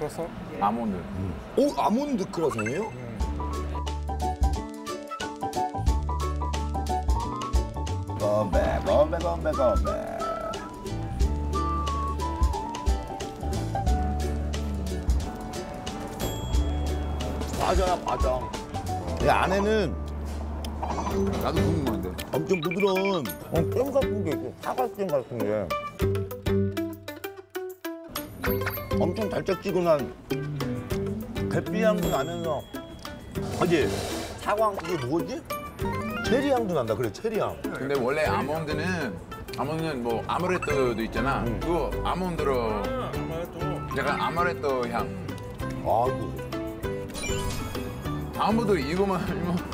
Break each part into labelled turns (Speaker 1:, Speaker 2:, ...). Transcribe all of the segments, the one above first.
Speaker 1: 크로서?
Speaker 2: 아몬드.
Speaker 3: 오, 아몬드 크라상이에요? 건배. 과자야, 과자. 이 안에는
Speaker 2: 나도 궁금한데.
Speaker 3: 엄청 부드러운 잼 같은 게 있고, 사과잼 같은 게. 엄청 달짝지근한 계피 향도 나면서, 그지? 사과, 이게 뭐지? 체리 향도 난다, 그래, 체리 향.
Speaker 2: 근데 원래 아몬드는 뭐 아모레토도 있잖아. 그거 아몬드로 약간 아모레토 향.
Speaker 3: 아이고.
Speaker 2: 다음부터 이거만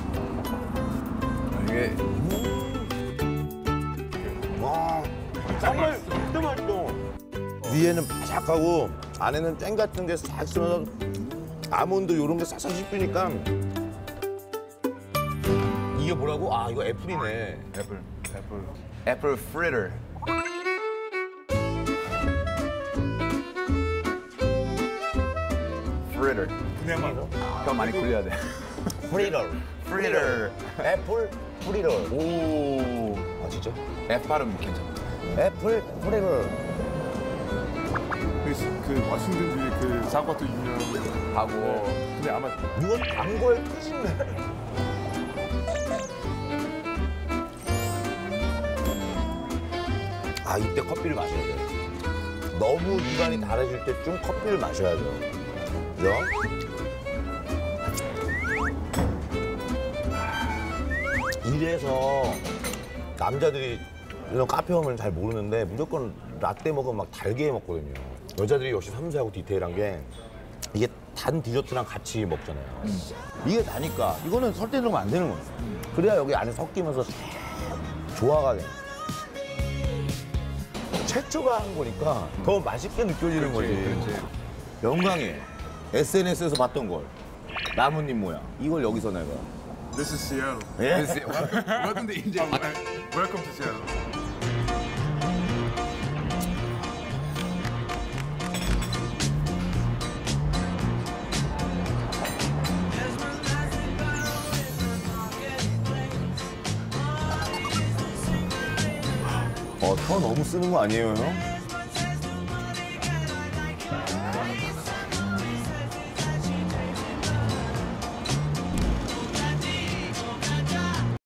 Speaker 2: 이게
Speaker 3: 와, 정말 진짜 맛있어. 위에는 바삭하고 안에는 잼 같은 게 싹 있으면서 아몬드 이런 게 싹싹 씹히니까 이게 뭐라고? 아, 이거 애플이네.
Speaker 2: 애플 프리터. 프리터.
Speaker 1: 그냥 말로?
Speaker 2: 더 많이 굴려야 돼.
Speaker 3: 프리터.
Speaker 2: 프리터.
Speaker 3: 애플 프리터.
Speaker 2: 오.
Speaker 3: 아, 진짜?
Speaker 2: F 발음 괜찮아.
Speaker 3: 애플 프리터.
Speaker 1: 그 워싱턴주의 그 사과도 유명하고.
Speaker 2: 하고.
Speaker 1: 근데 아마
Speaker 3: 이건 단거의 끝이네. 아, 이때 커피를 마셔야 돼. 너무 입안이 달아질 때쯤 커피를 마셔야죠. 그죠? 이래서 남자들이 이런 카페 오면 잘 모르는데 무조건 라떼 먹으면 막 달게 먹거든요. 여자들이 역시 섬세하고 디테일한 게 이게 단 디저트랑 같이 먹잖아요. 이게 다니까 이거는 설탕 넣으면 안 되는 거예요. 그래야 여기 안에 섞이면서 조화가 돼. 최초가 한 거니까 더 맛있게 느껴지는 거지.
Speaker 2: 그렇지.
Speaker 3: 영광이에요. SNS에서 봤던 걸. 나뭇잎 모양. 이걸 여기서 내가.
Speaker 1: This is Seattle.
Speaker 3: 예?
Speaker 2: Welcome to India.
Speaker 1: Welcome to Seattle.
Speaker 3: 더 너무 쓰는 거 아니에요, 형?